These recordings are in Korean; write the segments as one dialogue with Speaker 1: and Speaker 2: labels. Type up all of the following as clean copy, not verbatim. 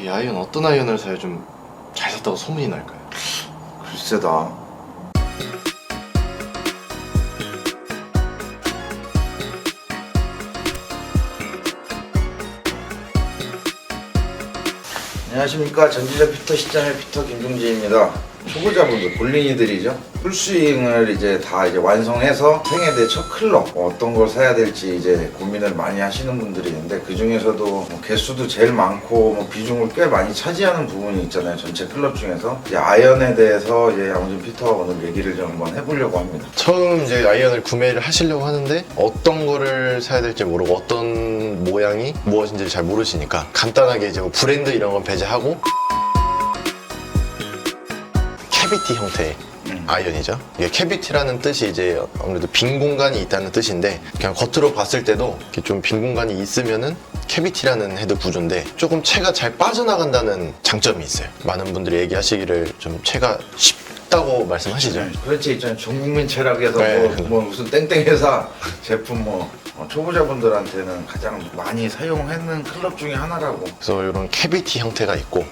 Speaker 1: 이 아이언 어떤 아이언을 사야 좀 잘 샀다고 소문이 날까요?
Speaker 2: 글쎄다. 안녕하십니까. 전지적 피터 시장의 피터 김종진입니다. 초보자분들, 볼린이들이죠. 풀스윙을 이제 다 완성해서 생애 대 첫 클럽 어떤 걸 사야 될지 이제 고민을 많이 하시는 분들이 있는데, 그 중에서도 개수도 제일 많고 비중을 꽤 많이 차지하는 부분이 있잖아요. 전체 클럽 중에서 이제 아이언에 대해서 이제 양호진 피터가 오늘 얘기를 좀 한번 해보려고 합니다.
Speaker 1: 처음 이제 아이언을 구매를 하시려고 하는데 어떤 거를 사야 될지 모르고 어떤 모양이 무엇인지 잘 모르시니까 간단하게 이제 뭐 브랜드 이런 건 배제하고 캐비티 형태의 아이언이죠. 이게 캐비티라는 뜻이 이제 아무래도 빈 공간이 있다는 뜻인데, 그냥 겉으로 봤을 때도 이렇게 좀 빈 공간이 있으면은 캐비티라는 헤드 구조인데 조금 채가 잘 빠져나간다는 장점이 있어요. 많은 분들이 얘기하시기를 좀 채가 쉽다고 말씀하시죠.
Speaker 2: 그렇지, 있잖아요. 전국민 체락에서
Speaker 1: 네.
Speaker 2: 무슨 땡땡 회사 제품 초보자분들한테는 가장 많이 사용하는 클럽 중에 하나라고.
Speaker 1: 그래서 이런 캐비티 형태가 있고,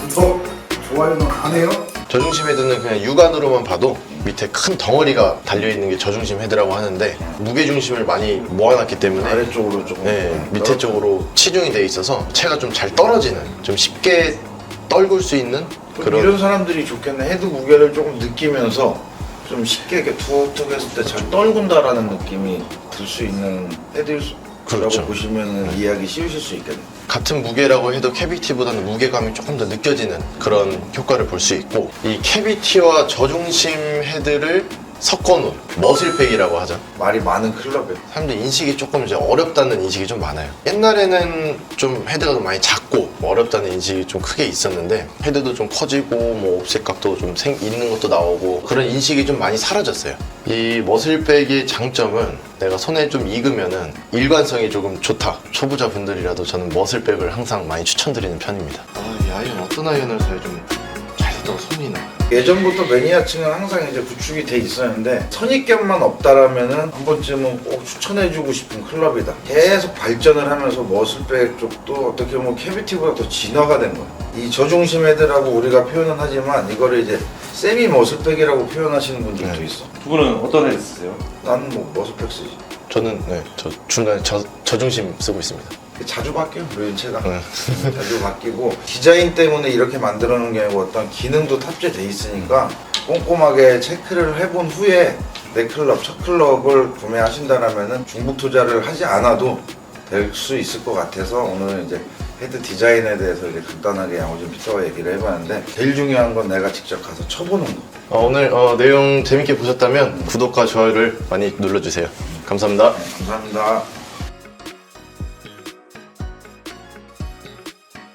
Speaker 2: 좋아요는 안 해요?
Speaker 1: 저중심 헤드는 그냥 육안으로만 봐도 밑에 큰 덩어리가 달려있는 게 저중심 헤드라고 하는데, 무게중심을 많이 모아놨기 때문에
Speaker 2: 아래쪽으로 조금
Speaker 1: 밑에 쪽으로 치중이 돼 있어서 채가 좀 잘 떨어지는, 좀 쉽게 떨굴 수 있는 그런.
Speaker 2: 이런 사람들이 좋겠네. 헤드 무게를 조금 느끼면서 좀 쉽게 이렇게 툭툭 했을 때 잘 떨군다라는 느낌이 들 수 있는 헤드라고
Speaker 1: 그렇죠.
Speaker 2: 보시면 이해하기 쉬우실 수 있겠네.
Speaker 1: 같은 무게라고 해도 캐비티보다는 무게감이 조금 더 느껴지는 그런 효과를 볼 수 있고, 이 캐비티와 저중심 헤드를 섞어놓은 머슬팩이라고 하죠.
Speaker 2: 말이 많은 클럽에
Speaker 1: 사람들 인식이 조금 이제 어렵다는 인식이 좀 많아요. 옛날에는 좀 헤드가 좀 많이 작고 어렵다는 인식이 좀 크게 있었는데, 헤드도 좀 커지고 뭐 옵셋각도 좀 있는 것도 나오고 그런 인식이 좀 많이 사라졌어요. 이 머슬백의 장점은 내가 손에 좀 익으면은 일관성이 조금 좋다. 초보자분들이라도 저는 머슬백을 항상 많이 추천드리는 편입니다. 이 아이언 어떤 아이언을 사야 좀 잘 샀다고 소문이 나요?
Speaker 2: 예전부터 매니아층은 항상 이제 구축이 돼 있었는데, 선입견만 없다라면은 한 번쯤은 꼭 추천해주고 싶은 클럽이다. 계속 발전을 하면서 머슬백 쪽도 어떻게 보면 캐비티보다 더 진화가 된 거예요. 이 저중심 헤드라고 우리가 표현은 하지만 이거를 이제 세미 머슬백이라고 표현하시는 분들도 있어.
Speaker 3: 두 분은 어떤 헤드 쓰세요?
Speaker 2: 나는 머슬백 쓰지.
Speaker 1: 저는 저 중간에 저중심 쓰고 있습니다.
Speaker 2: 자주 바뀌어요, 류인체가. 자주 바뀌고, 디자인 때문에 이렇게 만들어 놓은 게 아니고 어떤 기능도 탑재돼 있으니까 꼼꼼하게 체크를 해본 후에 내 클럽, 첫 클럽을 구매하신다라면은 중복 투자를 하지 않아도 될 수 있을 것 같아서 오늘 이제 헤드 디자인에 대해서 이제 간단하게 양호진 피터와 얘기를 해봤는데, 제일 중요한 건 내가 직접 가서 쳐보는 거.
Speaker 1: 오늘 내용 재밌게 보셨다면 구독과 좋아요를 많이 눌러주세요. 감사합니다.
Speaker 2: 감사합니다.